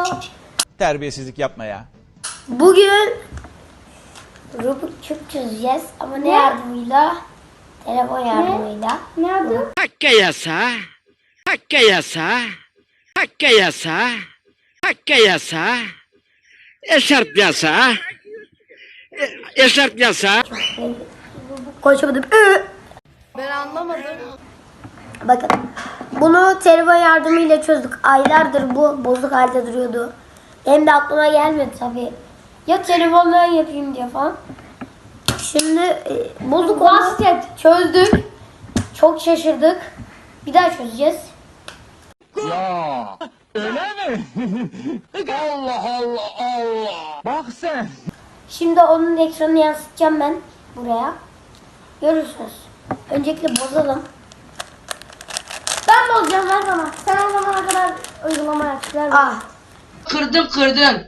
Terbiyesizlik yapma ya. Bugün Rubik küp çözeceğiz ama ne yardımıyla? Telefon yardımıyla. Ne adı? Hakka yasa, hakka yasa, hakka yasa, hakka yasa, eşarp yasa, eşarp yasa. Konuşamadım. Ben anlamadım. Bakın. Bunu telefon yardımıyla çözdük. Aylardır bu bozuk halde duruyordu. Hem de aklıma gelmedi tabii. Ya telefonla yapayım diye falan. Şimdi bulduk onu. Çözdük. Çok şaşırdık. Bir daha çözeceğiz. Ya öyle mi? Allah Allah Allah. Bak sen. Şimdi onun ekranını yansıtacağım ben buraya. Görürsünüz. Öncelikle bozalım. Ben bozacağım ver bana. Sen o zamana kadar uygulama yap. Ver bana. Ah. Kırdım.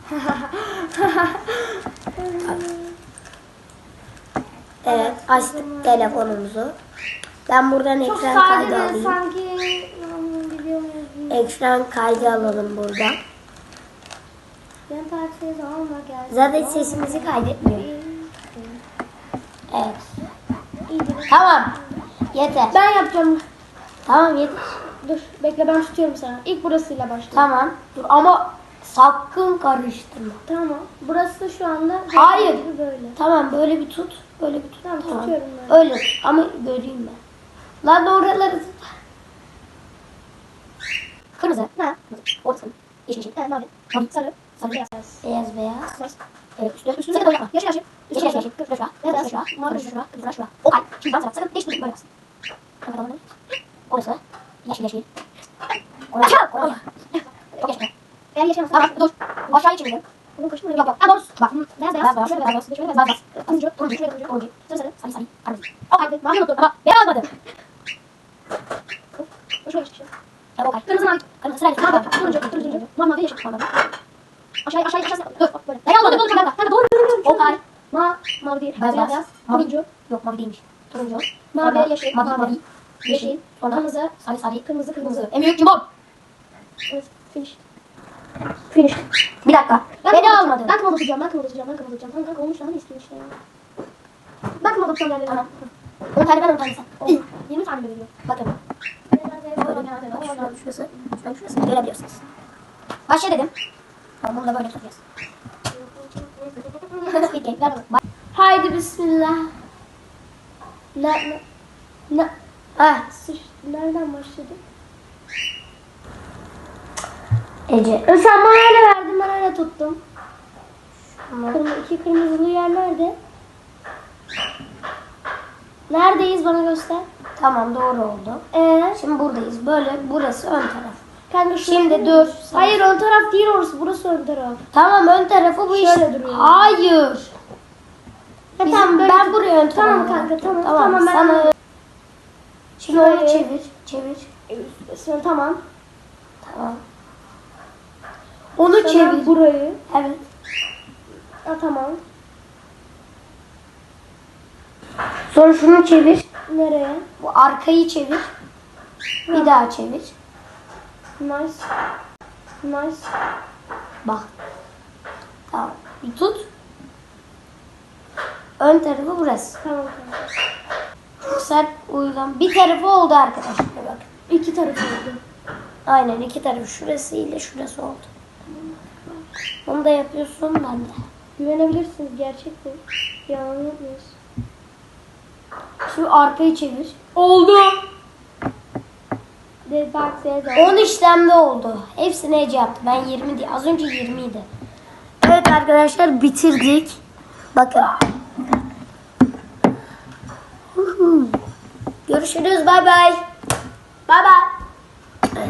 Evet, açtık telefonumuzu. Ben buradan Çok ekran sade kaydı de alayım. sanki biliyor muyuz? Ekran kaydı alalım burada. Ben taksiye alma geldi. Zaten sesimizi kaydetmiyor. Evet. İyidir. Tamam. Yeter. Ben yapacağım. Tamam yeter. Dur bekle ben tutuyorum sana. İlk burasıyla başla. Tamam. Dur ama sakın karıştırma. Tamam. Burası şu anda Hayır. gibi böyle. Tamam böyle bir tut. Böyle bir tut. Tamam, tutuyorum ben. Öyle tut. Ama göreyim ben. Lan oraları tut. Kırmızı. Ha. Orası. Yeşil. Mavi. Sarı. Sarı. Beyaz. Beyaz beyaz. Evet. Üstüne doğru yapma. Yeşil yeşil. Yeşil yeşil yeşil. Kırmızı şura. Beyaz şura. Mavi şura. Kırmızı şura. O ay. Şimdi bak sakın değiştirdik böyle bas. Kapatalım. Orası. Yeşil yeşil. Orası. Orası. Çok yeşil. Ben yeşil olsun. Tamam dur. Aşağıya çevirelim. Bunun kaşı mı? Yok yok. Ha doğru. Bak. Beyaz Beyaz beyaz. beyaz. Şöyle Beyaz beyaz. beyaz. Şöyle Beyaz beyaz. beyaz. Turuncu. Turuncu. Şöyle turuncu. Turuncu. Sarı sarı. Sarı sarı. Kırmızı. O kaydı. Mavi unuttum. Ama ben almadım. Şöyle işte. Ya o kay. Kırmızı mavi. Kırmızı sırayla. Mavi. Turuncu. Turuncu. Mavi yeşil. Mavi. Aşağıya aşağıya aşağıya. Dur. Böyle. Ben almadım. Kanka doğru. O kay. Mavi değil. Beyaz Beyaz beyaz. beyaz. Turuncu. Yok mavi değilmiş. Turuncu. Mavi, Sonra yeşil. Mavi. Mavi. Mavi. Yeşil. Sonra Kırmızı. sarı sarı. Kırmızı kırmızı. En büyük limon. Evet. Finish. Finish. Bir dakika. Beni almadın. Ben kıma basacağım. Ben kıma basacağım. Ben kıma basacağım. Kanka olmuş lan istemiş ya. Ben kıma basacağım yani. Tamam. 10 tane ben 10 tane sen. 20 tane veriyor. Bakın. Şurası. Şurası. Görebiliyorsunuz. Başla dedim. Tamam bunu da böyle tutacağız. Bir kek ver bana. Haydi bismillah. Ne? Ah. Nereden başladık? Ece. Sen bana öyle verdin. Ben öyle tuttum. Tamam. İki kırmızılı yer nerede? Neredeyiz bana göster. Tamam doğru oldu. Şimdi buradayız. Böyle burası ön taraf. Kanka Şimdi dur. Hayır ön taraf değil orası. Burası ön taraf. Tamam ön tarafı bu Şöyle işte. duruyor. Hayır. Ha, Bizim, tamam, böyle ben tut. buraya ön tarafı. Tamam kanka tamam. Tamam ben sana... anladım. Şimdi onu Şöyle. çevir. Çevir. Sonra tamam. Tamam. Onu Sonra çevir. burayı. Evet. Ha, tamam. Sonra şunu çevir. Nereye? Bu arkayı çevir. Bir daha çevir. Nice. Nice. Bak. Tamam. Bir tut. Ön tarafı burası. Tamam kanka. Sen uygun. Bir tarafı oldu arkadaşlar bak. İki tarafı oldu. Aynen iki tarafı şurası ile şurası oldu. Onu da yapıyorsun ben de. Güvenebilirsiniz gerçekten. Yalan yapmıyoruz. Şimdi arkayı çevir. Oldu. De bak de. 10 işlemde oldu. Hepsini Ece yaptı. Ben 20 değil. Az önce 20 idi. Evet arkadaşlar bitirdik. Bakın. Görüşürüz. Bay bay. Bay bay.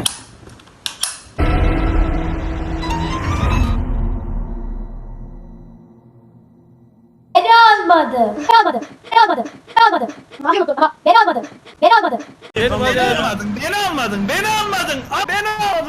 Beni almadı. Beni almadı. Beni almadı. Beni almadı. Beni almadı. Beni almadı. Beni almadı. Beni almadın. Beni almadın. Beni almadın. Beni almadın.